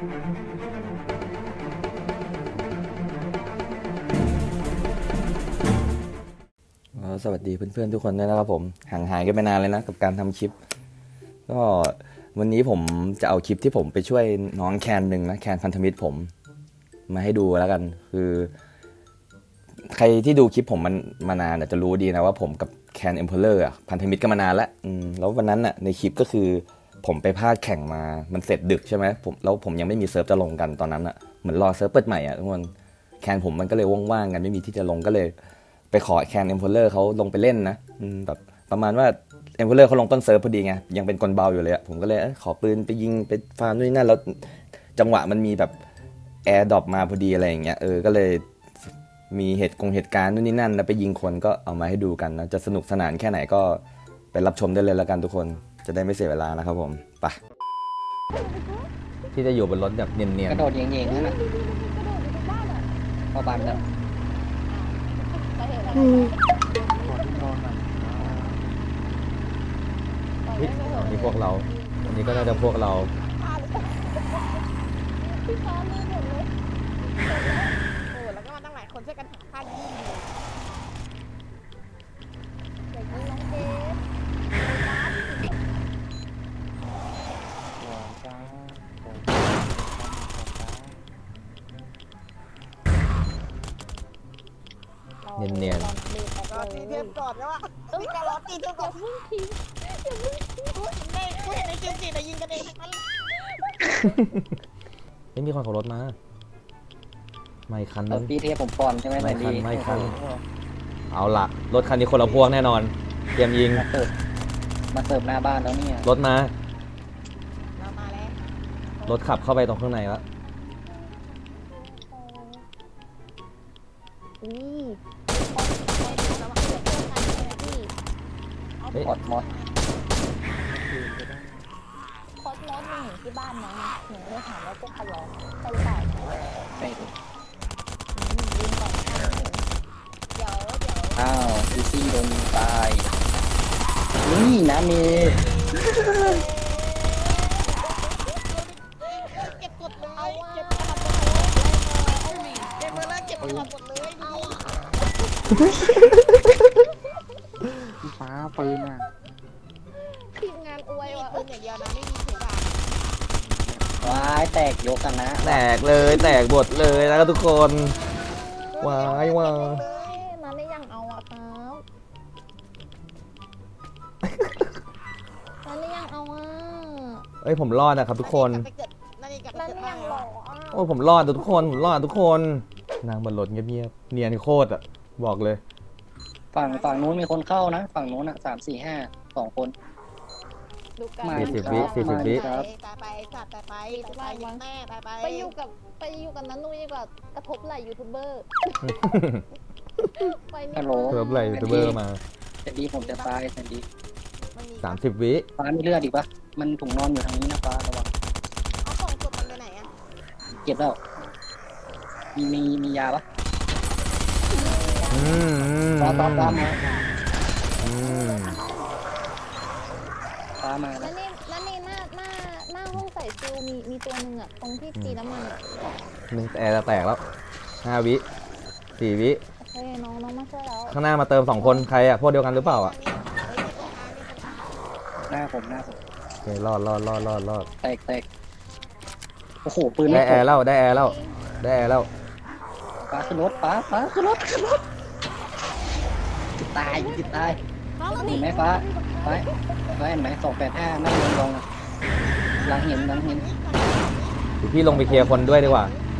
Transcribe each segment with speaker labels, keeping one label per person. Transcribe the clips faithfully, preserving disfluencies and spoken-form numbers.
Speaker 1: สวัสดีเพื่อนๆทุกคนด้วยนะครับผมห่างหายกันไปนานเลยนะกับการทำคลิปก็วันนี้ผมจะเอาคลิปที่ผมไปช่วยน้องแคนหนึ่งนะแคนพันธมิตรผมมาให้ดูแล้วกันคือใครที่ดูคลิปผมมันมานานจะรู้ดีนะว่าผมกับแคนเอ็มเพลเลอร์พันธมิตรกันมานานแล้วแล้ววันนั้นน่ะในคลิปก็คือผมไปพลาดแข่งมามันเสร็จดึกใช่ไหมผมแล้วผมยังไม่มีเซิร์ฟจะลงกันตอนนั้นน่ะเหมือนรอเซิร์ฟเปิดใหม่อ่ะทุกคนแคนผมมันก็เลยว่างๆกันไม่มีที่จะลงก็เลยไปขอแคนเอ็มเพลเลอร์เขาลงไปเล่นนะแบบประมาณว่าเอ็มเพลเลอร์เขาลงต้นเซิร์ฟพอดีไงยังเป็นกลเบาอยู่เลยอ่ะผมก็เลยขอปืนไปยิงไปฟาร์มนู่นนี่นั่นแล้วจังหวะมันมีแบบแอร์ดรอปมาพอดีอะไรอย่างเงี้ยเออก็เลยมีเหตุกงเหตุการณ์นู่นนี่นั่นแล้วไปยิงคนก็เอามาให้ดูกันนะจะสนุกสนานแค่ไหนก็ไปรับชมได้เลยแล้วกันทุกคนจะได้ไม่เสียเวลานะครับผมไปที่จะอยู่บนรถแบบเนียนๆ
Speaker 2: กระโดดเย่งๆนั่นแหละพอบันแล้ว
Speaker 1: นี่พวกเราอันนี้ก็น่าจะพวกเรา
Speaker 3: พี่ซ้อนเลยหมดเลยโอ้แล้วก็มาตั้งหลายคนช่วยกันหาค่ายิงเด็กยิงน้องเจฟ
Speaker 1: เนียน
Speaker 3: ๆรอตีเทปก่อนนะว่าพี่ก็รอตีเทปก่อนอย่าเพิ่งทิ้งอย่าเพิ่งทิ้งในกูเห็นในคิวจีแต่ยิงกันเองทั้งนั้น
Speaker 1: ไม่มีคนขับรถมาไม่คันนั้น
Speaker 2: ตีเทปผมก่อนใช่ไหมไม่คัน
Speaker 1: ไม่คันเอาล่ะรถคันนี้คนละพวกแน่นอนเตรียมยิง
Speaker 2: มาเสิร์ฟมาเสิร์ฟหน้าบ้านแล้วเนี่ย
Speaker 1: รถมา
Speaker 3: เรามาแล้ว
Speaker 1: รถขับเข้าไปตรงข้างในแล้ว
Speaker 2: มอดมอด
Speaker 3: โคตรรถหนึ่งที่บ้านน้องหนูเลยถามว่าพวกเขาร้องใช่หรือเปล่า
Speaker 2: ใช่
Speaker 3: ยิงก่อนเดี๋ยวเดี๋ยว
Speaker 2: อ้าวอีซี่โดนตายนี่นะมี
Speaker 3: เก็บกดเลยเก็บกระดาษเก็บมือแล้วเก็บกระดาษหมดเลย
Speaker 2: ฟ้าปืนอ่ะ
Speaker 3: ทีมงานอวยว่ะปืนอย่างเดียวนะไม่มีถือดาบ
Speaker 2: ว้ายแตกยกกันนะ
Speaker 1: แตกเลยแตกบทเลยนะครับทุกคนว้ายว้า
Speaker 3: มาไม่ยังเอาอ่ะครับมาไม่ยังเอาอ่ะ
Speaker 1: เอ้ยผมรอดนะครับทุกคน
Speaker 3: มาไม่ยังหรอ
Speaker 1: โอ้ผมรอดทุกคนผมรอดทุกคนนางบนรถเงียบๆเนียนโคตรอ่ะบอกเลย
Speaker 2: ฝั่งฝั่งนู้นมีคนเข้านะฝั่งนู้นอ่ะสามสี่ห้าสองคน
Speaker 1: สี่สิบวิสี่สิบวิ
Speaker 3: ครับตายไปสัตว์ตายไปตายยังแม่ตายไปไปอยู่กับไปอยู่กับนั้นนุ้ยกับกระทบไหลยูทูบเบอร์
Speaker 2: ฮัลโหล
Speaker 1: กระทบไหลยูทูบเบอร์มา
Speaker 2: แต่ดีผมจะตายแต่ดี
Speaker 1: สามสิบวิ
Speaker 2: ฟ้ามีเลือดอีกปะมันถุงนอนอยู่ทางนี้นะฟ้าระวัง
Speaker 3: เอาของกดมันไปไหนอ่ะ
Speaker 2: เก็บแล้วมีมีมียาปะฟ้าฟ้าฟ้ามาฟ้ามา
Speaker 3: แล้วนี่แล้วนี่หน้าหน้าหน้าห้องใส่ฟิวมีมีตัวหนึ่งอ่ะตรงที่ตีน้ำมันอ่ะ
Speaker 1: หนึ่งแอร์จะแตกแล้วห้าวิสี่วิ
Speaker 3: โอเคน้องน้องมาช่วยแล้ว
Speaker 1: ข้างหน้ามาเติมสองคนใครอ่ะพวกเดียวกันหรือเปล่าอ่ะ
Speaker 2: หน้าผมหน้าผม
Speaker 1: โอเครอดรอดรอดรอดรอด
Speaker 2: แตกแตกโอ้โหปืน
Speaker 1: ได้แอร์แล้วได้แอร์แล้วได้แอร์แล้ว
Speaker 2: ฟ้าขึ้นรถฟ้าฟ้าขึ้นรถขึ้นรถตายจิตตายเห็นไหมฟ้าฟ้าฟ้าเห็นไหมสองแปดห้านั่งลงลงหลังเห็นหลังเห็น
Speaker 1: พี่ลงไปเคลียร์คนด้วยดีกว่า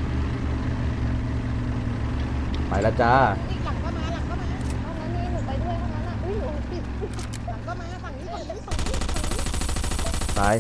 Speaker 1: ไปแล้วจ้า
Speaker 3: หลังก็มาหลังก็มาเอานั้นนี่หนูไปด้วยเท่านั้นอ่ะอุ้ยหนูปิดหลังก็มาฝั่งนี้ฝั่งนี้ฝั่งนี้
Speaker 1: ตาย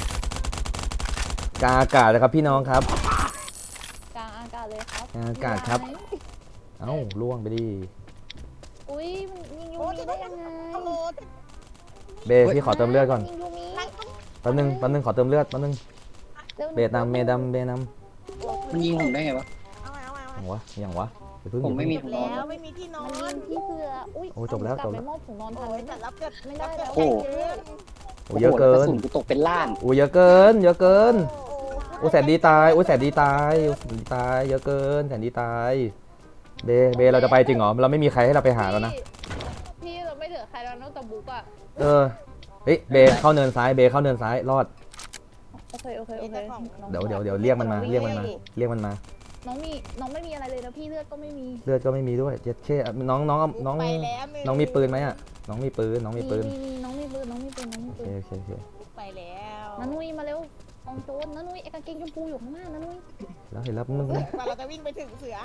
Speaker 1: กลางอากาศนะครับพี่น้องครับ
Speaker 3: กลางอากาศเลยครับ
Speaker 1: กลางอากาศครับเอ้าล่วงไปดิ
Speaker 3: อุ้ยมันยิงยูมีได้ยังไง
Speaker 1: เบพี่ขอเติมเลือดก่อนแป๊บนึงแป๊บนึงขอเติมเลือดแป๊บนึงเบนำเมดำเบน
Speaker 2: ำมันยิงผมได้ไงวะ
Speaker 1: อย่างวะอย่างวะ
Speaker 2: ผมไม่มี
Speaker 3: ถุงนอนแล้วไม่มีที่นอนที่เสื้ออุ้ย
Speaker 1: โอ้จบแล้วจบแล้ว
Speaker 3: ถุงนอนทันแต่รับเกิดไม่ได้แล้ว
Speaker 2: โอ้
Speaker 1: โหเยอะเกิน
Speaker 2: กูตกเป็นล้าน
Speaker 1: โอ้เยอะเกินเยอะเกิน
Speaker 3: ถ
Speaker 1: โอ้แสนดีตายโอ้แสนดีตายโอ้แสนดีตายเยอะเกินแสนดีตายเบเบเราจะไปจริงเหรอเราไม่มีใครให้เราไปหาแล้วนะ
Speaker 4: พี่เราไม่เหลือใครแล้วนอกจากบุ๊กอะ
Speaker 1: เออเฮ้ยเบเข้าเนินซ้ายเบเข้าเนินซ้ายรอด
Speaker 4: โอเคโอเคโอเคน้อง
Speaker 1: เดี๋ยวเดี๋ยวเดี๋ยวเรียกมันมาเรียกมันมาเรียกมันมา
Speaker 4: น้องมีน้องไม่มีอะไรเลยนะพี่เลือดก็ไม่มี
Speaker 1: เลือดก็ไม่มีด้วยเจ็ดเช่น้องน้องน้อง
Speaker 3: ไปแล้วหนึ่
Speaker 1: น้องมีปืนไหมอ่ะน้องมีปืนน้องมีปืน
Speaker 4: มีมีน้องมีปืนน้องมีปืนน้องมี
Speaker 1: โอ
Speaker 4: ปื
Speaker 1: เคน โอเคโอเค
Speaker 3: ไปแล้ว
Speaker 4: นันนุยมาเร็วกองโจรนันนุยไอ้กางเกงชมพูอยู่ข้างหน้านันนุย
Speaker 1: แล้วเห็นแล้วมึง
Speaker 3: กว่าเราจะวิ่งไปถึงเสือ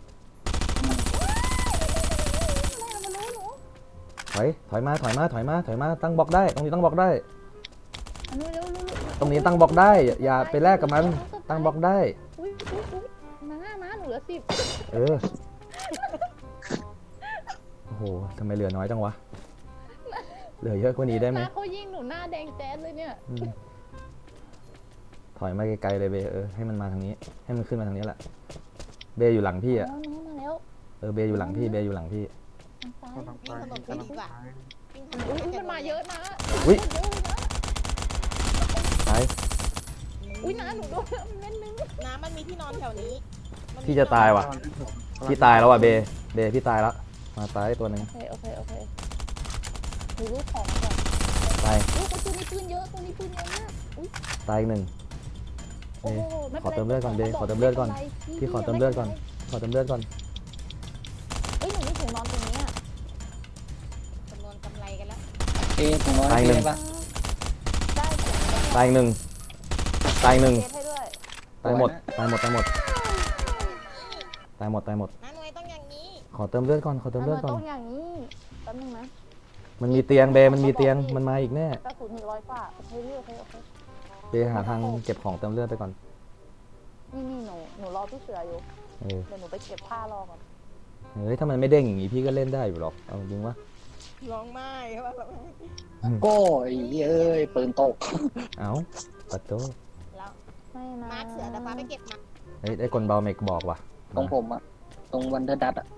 Speaker 4: อะไรมารู้หนู
Speaker 1: ถอยถอยมาถอยมาถอยมาถอยมาตั้งบล็อกได้ตรงนี้ตั้งบล็อกได้
Speaker 4: นันนุยเร็วเร็ว
Speaker 1: ตรงนี้ตั้งบล็อกได้อย่าอย่าไปแลกกับมันตั้งบล็อกได้
Speaker 4: อุ้ยอุ้ยอุ้ยน้าน้าหนูเหลือสิบ
Speaker 1: เออโอ้โหทำไมเหลือน้อยจังวะเหลือเยอะกว่านี้ได้ไหม
Speaker 4: น้าเขายิงหนูหน้าแดงแจ๊ดเลยเนี่ย
Speaker 1: อืมถอยมาไกลๆเลยเบเออให้มันมาทางนี้ ให้มันขึ้นมาทางนี้แหละเบอยู่หลังพี่
Speaker 4: น้
Speaker 1: อ่ะ
Speaker 4: องน้องมาแล้ว
Speaker 1: เออเบอยู่หลังพี่เบอยู่หลังพี่
Speaker 4: ทางซ้าย
Speaker 3: วิ่งถนนไปดีกว่าวิ่งถนน
Speaker 4: อุ้ย
Speaker 3: ไป
Speaker 4: มันมาเยอะนะ
Speaker 1: อุ๊ย
Speaker 4: เยอะเลยนะ
Speaker 1: ไป
Speaker 4: อุ้ยน้าหนูโดนเม็ดนึง
Speaker 3: น้ำมันมีที่นอนแถวนี้มันมี
Speaker 1: พี่จะตายว่ะ พี่ตายแล้วว่ะเบเบพี่ตายแล้วมาตายตัวหนึ่ง
Speaker 4: โอเคโอเคโอเคหนูรู้ของก่อน
Speaker 1: ตาย
Speaker 4: อุ้ยคนตัวนี้ปืนเยอะตัวนี้ปืนเยอะมากอุ้ย
Speaker 1: ตายอีกหนึ่ง
Speaker 4: โอ้โหไม่
Speaker 1: ขอ
Speaker 4: ป็นไร
Speaker 1: เติมเลือดก่อนเบ
Speaker 4: ไม่ป็
Speaker 1: ขอเติมเลือดก่อน
Speaker 4: ไป็ไร
Speaker 1: พี่ขอเติมเลือดก่อน ขอเติมเลือดก่อน
Speaker 4: เอ้ยหนูมีถุงนอนตรงนี้อ่ะ
Speaker 3: จำนวนกำไรกันแล้ว
Speaker 2: เอ๊ะผมนอน
Speaker 1: ตายหนึ่ง
Speaker 2: ได้ปะ
Speaker 4: ได้เสียง
Speaker 1: ตายอีกหนึ่งตายอีกหนึ่ง
Speaker 4: เทสให้ด้วย
Speaker 1: ตายหมดตายหมดตายหมดตายหมดตายหมด
Speaker 3: น้าหน่วยต้องอย่างนี้
Speaker 1: ขอเติมเลือดก่อนขอเติมเลือดก่อน
Speaker 4: ต้องอย่างนี้แป๊บนึงนะ
Speaker 1: มันมีเตียงเบมันมีเตียงมันมาอีกแน่
Speaker 4: กระสุนหนึ่งร้อยกว่าโอเคพี่โอเคโอเค
Speaker 1: เบหาทางเก็บของเติมเลือดไปก่อน
Speaker 4: นี่นี่หนูหนูรอพี่เสืออยู่
Speaker 1: เออ
Speaker 4: เดี๋ยวหนูไปเก็บผ้ารอก่อน
Speaker 1: เฮ้ยถ้ามันไม่เด้งอย่างงี้พี่ก็เล่นได้อยู่หรอกเอาจริงวะ
Speaker 3: ร้องไห้ว่าแบบ
Speaker 2: โก้ไอ้เหี้ยเอ้ยปืนตก
Speaker 1: เอ้าปัดโต
Speaker 3: แล้ว
Speaker 4: ไม่นะ
Speaker 3: มาร์คเสือแต่ฟ้าไปเก็บมา
Speaker 1: เฮ้ยได้คนเบาเมกบอกว่ะ
Speaker 2: ตรงผมอะตรงวันเดอร์ดัตอะ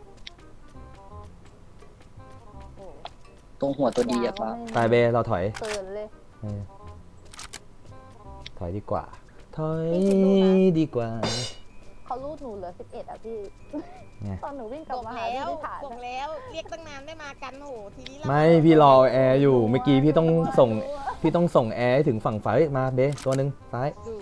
Speaker 3: โอ้
Speaker 2: ตรงหัวตัวดีอะ
Speaker 4: ฟ้า
Speaker 2: ฟ้า
Speaker 1: ตายเบเราถอย
Speaker 4: เกินเลย
Speaker 1: เออถอยดีกว่า ถอยดีกว่า
Speaker 4: เขารูดหนูเหลือสิบเอ็ดอ่ะพี่
Speaker 1: ไง
Speaker 4: ตอนหนูวิ่งกลั
Speaker 3: บบ อก
Speaker 4: มาหา
Speaker 3: แล้
Speaker 4: พี่
Speaker 3: ว
Speaker 4: ที่ฐาน
Speaker 3: บอก
Speaker 4: อะ
Speaker 3: แล้วเรียกตั้งนานไม่มากันโหทีนี้เรา
Speaker 1: ไม่พี่รอแอร์อยู่เมื่อกี้พี่ต้องส่งพี่ต้องส่งแอร์ให้ถึงฝั่งฝ่ายเฮ้ยมาเบตัวหนึ่งซ้าย
Speaker 3: ดู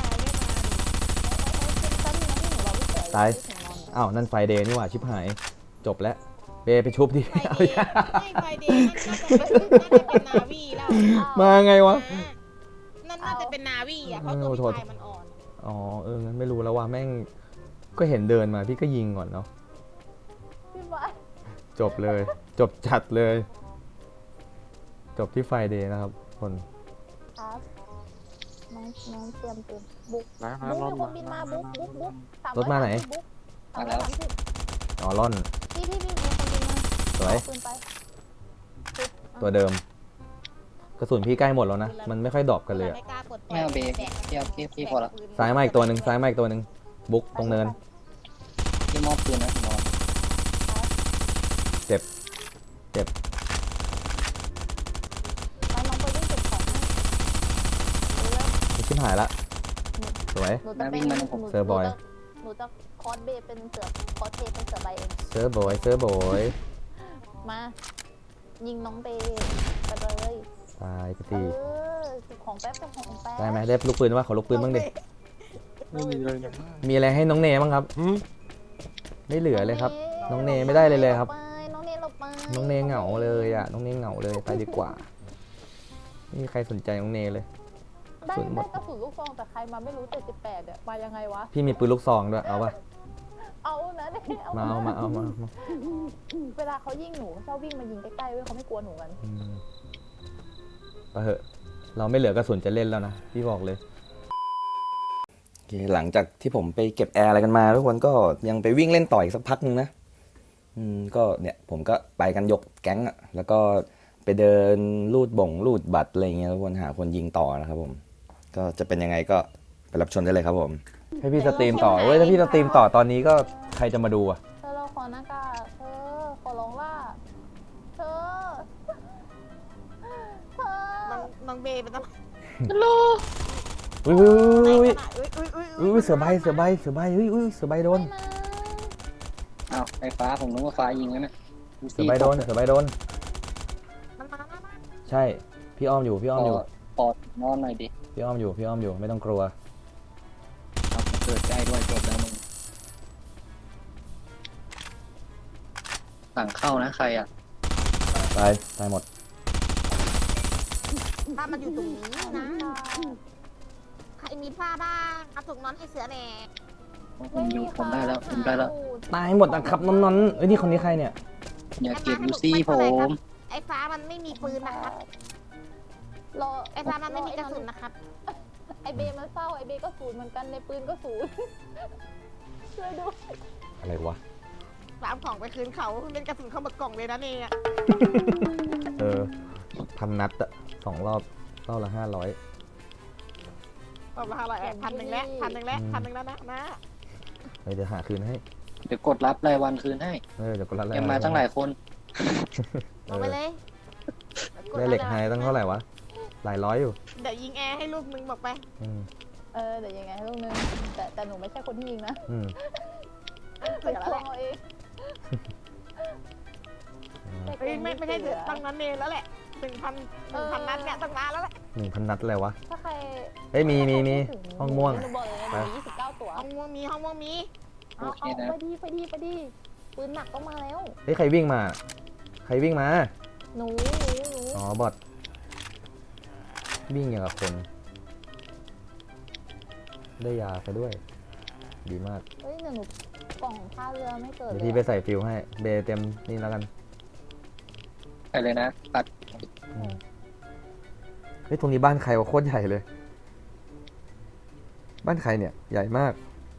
Speaker 3: ไม่มาไม่มา
Speaker 4: แป๊บนึงนะพี่หนูรอพี่เสือ
Speaker 1: ตาย
Speaker 4: พี่ถึงนอน
Speaker 1: อ้าวนั่นไฟเดย์นี่หว่าชิบหาย จบแล้วเบไปชุบดิ
Speaker 3: ไฟเดย์ไม่ไฟเดย์นั่นน่าจะเป็นน่าจะเป็นนาวีแล้ว
Speaker 1: มาไงวะ
Speaker 3: นั่นน่าจะเป็นนาวีอ่ะเพราะตัว
Speaker 1: โทษ
Speaker 3: พี่ชายมันอ่อน
Speaker 1: อ๋อเอองั้นไม่รู้แล้วว่าแม่งก็เห็นเดินมาพี่ก็ยิงก่อนเนาะ
Speaker 4: พี่บอย
Speaker 1: จบเลย จบจัดเลย จบที่ไฟเดย์นะครับคน
Speaker 4: ครับน้องน้องเตรียมปืนบุ๊ก
Speaker 5: มา
Speaker 4: บุ๊ก
Speaker 5: รถ
Speaker 4: มีคน
Speaker 5: มา
Speaker 4: บินมาบุ๊กบุ๊กบุ๊กส
Speaker 1: รถมาไหน
Speaker 4: บุ๊ก
Speaker 2: มาแล้ว
Speaker 4: สามร้อยสามสิบ
Speaker 1: อ๋อล่อน
Speaker 4: พี่พี่พี่มีคนบินมา
Speaker 1: สวย
Speaker 4: เอาปืนไปปึ๊บอ่ะ
Speaker 1: ตัวเดิม กระสุนพี่ใกล้หมดแล้วนะ มันไม่ค่อยดรอปกันเลยอะ
Speaker 3: ไม่กล้าปลดปล่
Speaker 2: ไม่
Speaker 3: อย
Speaker 2: เอาเบ
Speaker 3: แบก
Speaker 2: พี่เอาพี่พี่พอละ
Speaker 1: ซ้ายมาอีกตัวหนึ่งซ้ายมาอีกตัวหนึ่งบุ๊กตรงเนิน
Speaker 2: พี่มอบปืนนะพี่นอน
Speaker 1: เจ็บ เจ็บ
Speaker 4: ไปน้องไปวิ่งเก็บของให้เร็ว
Speaker 1: ไม่ชิบหายละสวย
Speaker 4: ๆหนูจะเป็นหนู
Speaker 1: เซอร์บอย
Speaker 4: หนูจะคอสเบย์เป็นเสือคอสเทเป็นเสือใบเอง
Speaker 1: เซอร์บอยเซอร์บอย
Speaker 4: มา ยิงน้องเบย์ไปเลย
Speaker 1: ตายไป
Speaker 4: เอ
Speaker 1: ที
Speaker 4: อเก็บของแป๊บเก็บของแป๊บ
Speaker 1: ได้ไหมได้ลูกปืนว่าขอลูกปืนบ้างดิ
Speaker 5: ไม่มีเลยอย่าง
Speaker 1: มีอะไรให้น้องเนบ้างครับ
Speaker 5: หืม
Speaker 1: ไม่เหลือเลยครับ น้องเนไม่ได้เลยเลยครับ
Speaker 4: น้องเนหลบไป
Speaker 1: น้องเนเหงาเลยอ่ะ น้องเนเหงาเลยไปดีกว่า ไม่มีใครสนใจน้องเนเลย
Speaker 4: ได้
Speaker 1: ส่วนหม
Speaker 4: ได้
Speaker 1: ด
Speaker 4: กระสุนลูกซองแต่ใครมาไม่รู้เจ็ดสิบแปดเนี่ยมายังไงวะ
Speaker 1: พี่มีปืนลูกซองด้วย เอาปะ
Speaker 4: เอานะเนี่ยเอา
Speaker 1: มาเอามาเอามามา
Speaker 4: เวลาเขายิงหนูชอบวิ่งมายิงใกล้ๆเว้ยเขาไม่กลัวหนูกัน
Speaker 1: อืมไปเถอะ เราไม่เหลือกระสุนจะเล่นแล้วนะ พี่บอกเลย โอเค หลังจากที่ผมไปเก็บแอร์อะไรกันมาทุกคนก็ยังไปวิ่งเล่นต่ออีกสักพักนึงนะ อืม ก็เนี่ยผมก็ไปกันยกแก๊งอะแล้วก็ไปเดินรูดบ่งรูดบัตรอะไรเงี้ยทุกคนหาคนยิงต่อนะครับผม ก็จะเป็นยังไงก็ไปรับชมได้เลยครับผม ให้พี่สตรีมต่อเว้ยถ้าพี่สตรีมต่อตอนนี้ก็ใครจะมาดูอะ
Speaker 4: เธอเราขอหน้ากากเธอขอร้องล่าเธอเธอ
Speaker 3: น้องน้องเบย์เป็นต้อง
Speaker 4: ลูก
Speaker 1: อุ้ยอุ้ย
Speaker 3: อุ้ยอุ้ยอุ้ย
Speaker 1: อุ้ยอุ้ยเสือใบเสือใบเสือใบอุ้ยอุ้ยเสือใบโดน
Speaker 2: อ้าวไอ้ฟ้าผมนึกว่าฟ้ายิงแล้วนะดู
Speaker 1: เสื
Speaker 2: สิ
Speaker 1: อใบโดนเสือใบโดน
Speaker 3: มันมามามา
Speaker 1: ใช่พี่อ้อมอยู่พี่อ้อมอยู่
Speaker 2: ปอดนอนหน่อยดิ
Speaker 1: พี่อ้อมอยู่พี่อ้อมอยู่ไม่ต้องกลัว
Speaker 2: เอาเกิดใกล้ด้วยจบแล้วมึงสั่งเข้านะใครอ่ะ
Speaker 1: ตายตายหมด
Speaker 3: ถ้ามันอยู่ตรงนี้นะใครมีผ้าบ้างเอาถุงนอนให้เสือแหน่
Speaker 2: ผมอยู่ผมได้แล้วผมได้แล้ว
Speaker 1: ตายหมดนะครับนอนๆเอ้ยนี่คนนี้ใครเนี่ย
Speaker 2: อย่าเก็บยูซี่ผม
Speaker 3: ไอ้ฟ้ามันไม่มีปืนนะครับ
Speaker 4: รอ
Speaker 3: ไอ้ฟ้ามันไม่มีกระสุนนะครับ
Speaker 4: ไอเบมันเศร้าไอเบก็ศูนย์เหมือนกันในปืนก็ศูนย์ช่วยด้วย
Speaker 1: อะไรวะ
Speaker 3: ฟ้าเอาของไปคืนเขาเป็นกระสุนเข้ามากล่องเลยนะเนี่ย
Speaker 1: เออพันนัดอะสองรอบรอบละห้าร้อย
Speaker 3: ออกมาอะไรพันหนึ่งแล้วพันหนึ่งแล้วพันหนึ่งแล้วนะนะ
Speaker 1: เฮ้ยเดี๋ยวหาคืนให้
Speaker 2: เดี๋ยวกดรับรายวันคืนให้
Speaker 1: เออเดี๋ยวกดละ
Speaker 2: ยังมาตั้งหลายคน
Speaker 3: ลงไปเลย
Speaker 1: ได้เหล็กไฮตั้งเท่าไหร่วะหลายร้อยอยู่
Speaker 3: เดี๋ยวยิงแอร์ให้ลูกมึงบอกไป
Speaker 1: อืม
Speaker 4: เออเดี๋ยวยังไงให้ลูกนึงแต่แต่หนูไม่ใช่คนที่ยิงนะ
Speaker 1: อืม
Speaker 3: เสือแล้ว
Speaker 4: คว
Speaker 3: แหละ
Speaker 4: งเอาเอง
Speaker 3: เฮ้ยไม่ไม่ใช่เสือตั้งนั้นเองแล้วแหละหนึ่งพันหนึ่งพันนัดเนี่ยต้องมาแล้วแหละ
Speaker 1: หนึ่งพันนัดอะไรวะ
Speaker 4: ถ้าใคร
Speaker 1: เฮ้ยมีมีมีห้องม่วง
Speaker 4: หนูบอกเลยนะหนูยี่สิบเก้าตัว
Speaker 3: ห้องม่วงมีห้องม่วงมี
Speaker 4: เอาเอาไปดีไปดีไปดีปืนหนักต้องมาแล้ว
Speaker 1: เฮ้ยใครวิ่งมา ใครวิ่งมา
Speaker 4: หนูหนูหนู
Speaker 1: อ๋อบอทวิ่งอย่างกับคน ได้ยาไปด้วย ดีมาก
Speaker 4: เฮ้ยหนูกล่องท่าเรือไม่เกิด
Speaker 1: เดี๋ยว
Speaker 4: เล
Speaker 1: พี่
Speaker 4: ย
Speaker 1: ไปใส่ฟิวให้ เบเต็มนี่แล้วกัน
Speaker 2: ไปเลยนะตัด
Speaker 1: อืมเฮ้ยตรงนี้บ้านใครวะโคตรใหญ่เลย บ้านใครเนี่ย ใหญ่มาก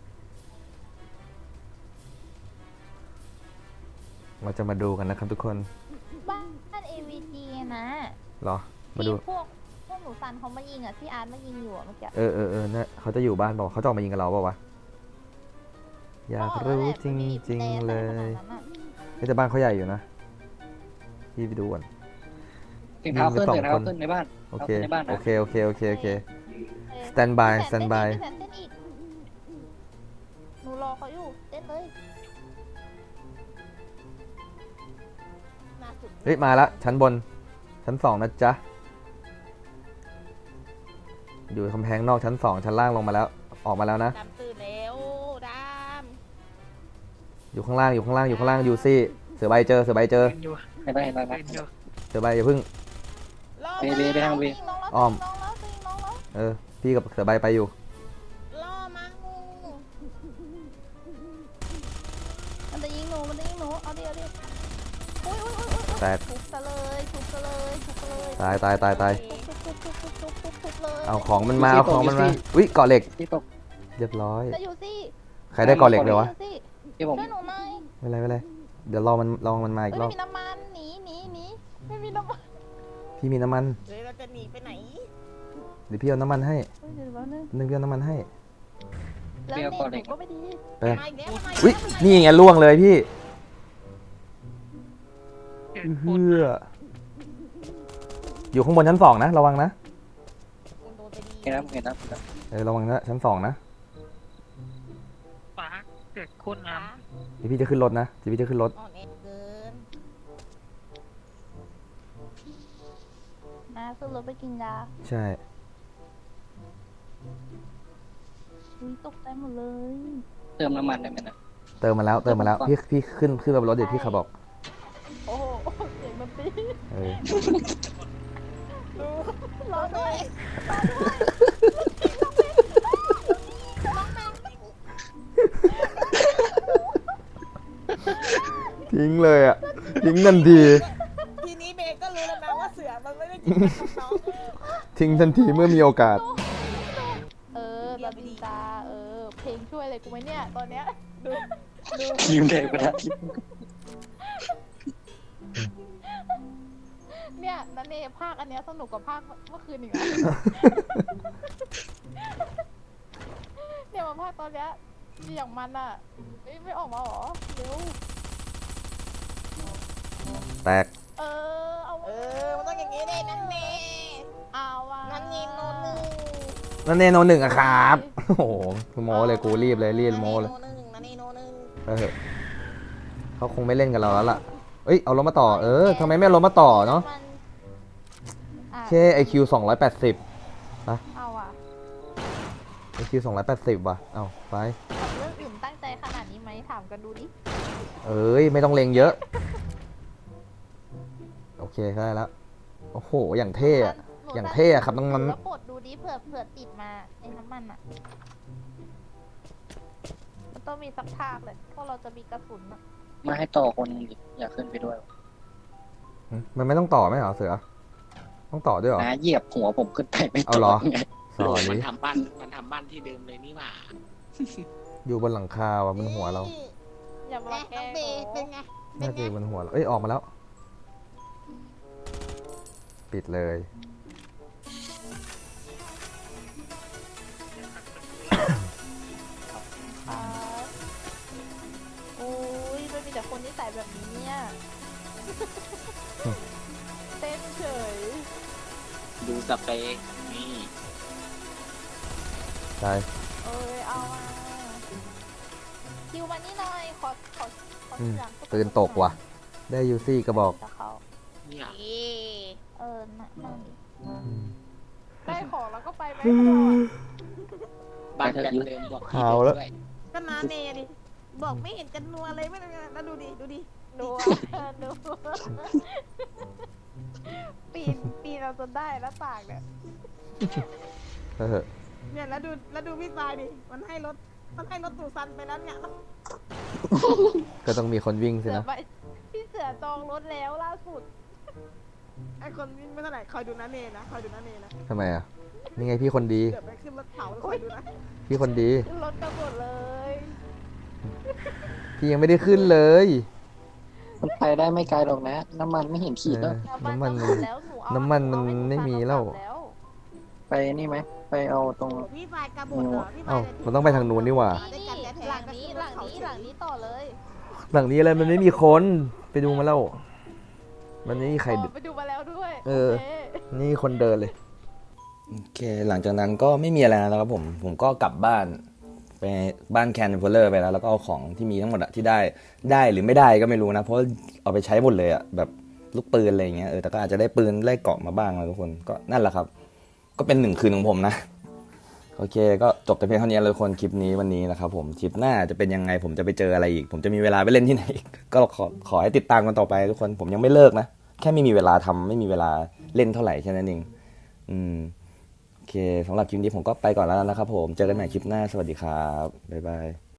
Speaker 1: เราจะมาดูกันนะครับทุกคน
Speaker 4: บ้านบ้าน เอ วี จี นะ
Speaker 1: เหรอ มาดู
Speaker 4: ที่พวกพวกหนูซันเขามายิงอ่ะที่อาร์ตมายิงอยู่อ่ะเมื่อกี้
Speaker 1: เออเออเออเนี่ยเขาจะอยู่บ้านเปล่าเขาจะออกมายิงกับเราเปล่าวะ อยากรู้จริงๆเลยเฮ้ยแต่บ้านเขาใหญ่อยู่นะ พี่ไปดูก่อน
Speaker 2: เสียงเท้าขึ้น
Speaker 1: มีสอง
Speaker 2: เสียงเท้า
Speaker 1: คน
Speaker 2: ขึ้นในบ้าน
Speaker 1: โอเค
Speaker 2: เอาในบ้านนะ
Speaker 1: โอเค โอเค โอเค โอเค
Speaker 4: เออ
Speaker 1: stand by
Speaker 4: พี่แสน
Speaker 1: stand by
Speaker 4: เต้นอีกพี่แสนเต้นอีกหนูรอเขาอยู่เต้นเลย
Speaker 3: น่าสุด
Speaker 1: เฮ้ย มาละชั้นบน ชั้นสองนะจ๊ะ อยู่กำแพงนอกชั้นสองชั้นล่างลงมาแล้ว ออกมาแล้วนะ
Speaker 3: ดำตื่นแล้วด
Speaker 1: อยู่ข้างล่าง อยู่ข้างล่าง อยู่ข้างล่าง อยู่ซี่เสือใบเจอ เสือใบเจอ
Speaker 5: เล่นอยู่
Speaker 2: เห็นไหมเห็นไหม
Speaker 5: เล่นอยู่
Speaker 1: เสือใบอย่าเพึ่ง
Speaker 3: ำล่อ
Speaker 2: เบ
Speaker 3: มา
Speaker 2: เบไปทางเบ
Speaker 4: ยิงน้องแล้ว
Speaker 1: อ้อม
Speaker 4: ยิงน้องแล้วยิงน้องแล้ว
Speaker 1: เออ พี่กับเสือใบไปอยู่
Speaker 3: ล่อมางู
Speaker 4: มันจะยิงหนูมันจะยิงหนูเอาดิเอาดิอุ้ยอุ้ยอุ้ยอุ้ย
Speaker 1: แตก
Speaker 4: ทุบซะเลยทุบซะเลยทุบซะเลย
Speaker 1: ตายตายตายตาย
Speaker 4: ทุบทุบทุบทุบทุบทุบทุบเลย
Speaker 1: เอาของมันมา เอาของมันมา อุ้ยเกาะเหล็ก
Speaker 2: ที่ตก
Speaker 1: เรียบร้อย
Speaker 4: จะอยู่สิ
Speaker 1: ใครได้เกาะเหล็กเลยวะ
Speaker 4: อยู่สิ
Speaker 2: ที่ผม
Speaker 4: ช่วยหนูหน่อย
Speaker 1: ไม่เป็นไรไม่เป็นไร เดี๋ยวรอมันรอมันมาอี
Speaker 4: เฮ้
Speaker 1: ก
Speaker 4: ย
Speaker 1: ร
Speaker 4: ไม่
Speaker 1: อบ
Speaker 4: มีน้ำมันหนีหนีหนีไม่มีน้ำมัน
Speaker 1: พี่มีน้ำมัน
Speaker 3: เดี๋ยวเราจะหนีไปไหน
Speaker 1: เดี๋ยวพี่เอาน้ำมันให้
Speaker 4: เฮ้ยเดี๋ยวแป๊บนึง
Speaker 1: นึงพี่เอาน้ำมันให้
Speaker 4: แล้วเน็ตหนูก็ไม่ดี
Speaker 1: ไป
Speaker 3: มาอีกแล้วมาอีก
Speaker 1: อุ้ย
Speaker 3: แล้ว
Speaker 1: นี่ไงล่วงเลยพี่
Speaker 5: เกิด
Speaker 1: เฮืออยู่ข้างบนชั้นสองนะ ระวังนะ
Speaker 3: คุณโดนไปดี
Speaker 2: เห็นนะเห็นนะ
Speaker 1: เออระวังนะชั้นสองนะ
Speaker 5: ฟ้าเกิดโคตรน้
Speaker 1: เดี๋ยวพี่จะขึ้นรถนะเดี๋ยวพี่จะขึ้นรถ
Speaker 3: อ่อนแอเกิน
Speaker 4: มาขึ้นรถไปกินยา
Speaker 1: ใช่
Speaker 4: อุ้ยตกใจหมดเลย
Speaker 2: เติมน้ำมันได้ไหมนะ
Speaker 1: เติมมาแล้วเติมมาแล้วพี่พี่ขึ้นขึ้นไปบนรถเดี๋ยวพี่ขับบอก
Speaker 4: โอ้โหเสียงดนตรี
Speaker 1: เออ
Speaker 4: รอด้วย
Speaker 1: ทิ้งเลยอ่ะทิ้งทันที
Speaker 3: ทีนี้เบก็รู้แล้วนะว่าเสือมันไม่ได้กินกับน้อง
Speaker 1: ทิ้งทันทีเมื่อมีโอกาส
Speaker 4: เออแบบดีจ้าเออ เพลงช่วยอะไรกูไหมเนี่ย ตอนเนี้ย
Speaker 3: ดูดู
Speaker 2: ยืมเด็กไปแล้ว
Speaker 4: เนี่ยนันเนภาคอันเนี้ยสนุกกว่าภาคเมื่อคืนอีกนะ เนี่ยมาภาคตอนเนี้ยอย่างมันอ่ะไม่ไม่ออกมาหรอ เร็ว
Speaker 1: แตก
Speaker 4: เออ เอา
Speaker 3: เออมันต้องอย่างนี้เลยนั่นเน่
Speaker 4: เอาว่ะ
Speaker 3: นั่นนี่โนนู
Speaker 1: นั่นเนโนหนึ่งอะครับ โอ้โหโมเลยกูรีบเลยรีบโมเลย
Speaker 3: นาเนโนหนึ่งนาเนโนหนึ่ง
Speaker 1: ไปเถอะเขาคงไม่เล่นกับเราแล้วล่ะเอ้ยเอารถมาต่อเออทำไมไม่เอารถมาต่อเนาะ
Speaker 4: มันอ่ะ
Speaker 1: เคไอคิวสองร้อยแปดสิบ
Speaker 4: เอาอ่ะ
Speaker 1: ไอคิวสองร้อยแปดสิบว่ะเอาไป
Speaker 4: กับเรื่องอื่นตั้งใจขนาดนี้ไหมถามกันดูดิ
Speaker 1: เอ้ยไม่ต้องเลงเยอะโอเคได้แล้วโอ้โหอย่างเท่อะ
Speaker 4: หนู
Speaker 1: อย่างเท่อะครับน้องมัน
Speaker 4: แล้วปลดดูดิเผื่อเผื่อติดมาไอ้น้ำมันอ่ะมันต้องมีสักภาคเลยเพราะเราจะมีกระสุนอ่ะ
Speaker 2: มาให้ต่อคนหนึงดิอยากขึ้นไปด้วย
Speaker 1: มันไม่ต้องต่อไหมเหรอเสือต้องต่อด้วยเหรอ
Speaker 2: นะเหยียบหัวผมขึ้นไปไม่
Speaker 1: เอา
Speaker 2: ต่
Speaker 1: เหรอ
Speaker 2: ไง
Speaker 1: สอ
Speaker 5: มัน
Speaker 1: นี้
Speaker 5: ทำบ้านมันทำบ้านที่เดิมเลยนี่หว่า
Speaker 1: อยู่บนหลังคาว่ะบนหัวเรา
Speaker 4: อย่ามา
Speaker 3: แม่
Speaker 4: แกล้
Speaker 3: น้อง
Speaker 4: ง
Speaker 3: เบย์เป็นไง เป็น
Speaker 1: น่า
Speaker 3: ไง
Speaker 1: จะอยู่บนหัวเราเอ้ยออกมาแล้ว ปิดเลย
Speaker 4: อ่าโอ้ยมันมีแต่คนที่ใส่แบบนี้เนี่ย เต้นเฉย
Speaker 5: ดูสเปรย์นี่
Speaker 1: ใช่
Speaker 4: เอ้ยเอามาคิวมานี่หน่อยขอขอขอ
Speaker 1: อืม
Speaker 4: เสียง
Speaker 1: ปืนตกว่ะ ได้ยูซี่กระบอก
Speaker 4: กับเขา
Speaker 5: เนี่ย
Speaker 3: เอ๊ะ
Speaker 4: เออน่ะนั่นดิ
Speaker 1: อืม
Speaker 4: ได้ของแล้วก็ไปไหมพวกเราอะ
Speaker 5: บ้านแบบเดิมบอกที่
Speaker 1: เอาแล้ว
Speaker 5: เดิมด้วย
Speaker 3: ก็นาเนดิ บอกไม่เห็นกันนัวเลยไม่ได้แล้วดูดิ ดูดิ
Speaker 4: ดูอะ ดูปีนปีนเราจนได้แล้วต่างเนี่ย
Speaker 1: เออ
Speaker 3: เนี่ยแล้วดูแล้วดูพี่ปายดิ มันให้รถ มันให้รถตู่ซันไปแล้วเนี่ย
Speaker 1: ก็ต้องมีคนวิ่งสิ
Speaker 4: เสือ
Speaker 1: นะ
Speaker 4: ไปพี่เสือจองรถแล้วล่าสุด
Speaker 3: ไอคนวิ่งไม่เท่าไหร่คอยดูนาเนนะ คอยดูนาเนนะ
Speaker 1: ทำไมอ่ะ นี่ไงพี่คนดี
Speaker 3: เดี๋ยวไปขึ้นรถเผาแล้วคอยดูนะ
Speaker 1: พี่คนดี
Speaker 4: ขึ้นรถกันหมดเลย
Speaker 1: พี่ยังไม่ได้ขึ้นเลย
Speaker 2: มันไปได้ไม่ไกลหรอกนะ น้ำมันไม่เห็นขีดแล้ว
Speaker 1: น้ำมัน
Speaker 4: จะหดแล้วหเอา
Speaker 1: น้ำมันมัน
Speaker 4: เอาให้ห
Speaker 1: ไม่มีแล้ว
Speaker 4: กลับแล้ว
Speaker 2: ไปนี่ไหมไปเอาตรง
Speaker 3: โอ้พี่ปายกระโดดเหรอพี่ปา
Speaker 1: เอ้าย
Speaker 3: เลย
Speaker 1: มันต้องไปทางนู้นนี่หว่า
Speaker 3: ได้กันแท้ๆ
Speaker 4: หลังนี้หลังนี้หลังนี้ต่อเลย
Speaker 1: หลังนี้อะไรมันไม่มีคน ไปดูมาแล้ว มันไม่มีใคร
Speaker 4: อ๋อไปดูมาแล้วด้วย
Speaker 1: เออ
Speaker 4: โค
Speaker 1: นี่คนเดินเลย โอเค หลังจากนั้นก็ไม่มีอะไรแล้วครับผม ผมก็กลับบ้าน ไปบ้านแคนเฟลเลอร์ไปแล้ว แล้วก็เอาของที่มีทั้งหมดอะที่ได้ ได้หรือไม่ได้ก็ไม่รู้นะ เพราะเอาไปใช้หมดเลยอะแบบลูกปืนอะไรอย่างเงี้ย เออ แต่ก็อาจจะได้ปืนได้เกราะมาบ้างนะทุกคน ก็นั่นแหละครับ ก็เป็นหนึ่งคืนของผมนะ โอเค ก็จบแต่เพียงเท่านี้เลยทุกคนคลิปนี้วันนี้นะครับผม คลิปหน้าจะเป็นยังไง ผมจะไปเจออะไรอีก ผมจะมีเวลาไปเล่นที่ไหนอีก ก็ขอขอให้ติดตามกันต่อไปทุกคน ผมยังไม่เลิกนะ แค่ไม่มีเวลาทำไม่มีเวลาเล่นเท่าไหร่แค่นั้นเอง อืม โอเคสำหรับคลิปนี้ผมก็ไปก่อนแล้วนะครับผม เจอกันใหม่คลิปหน้า สวัสดีครับ บ๊ายบาย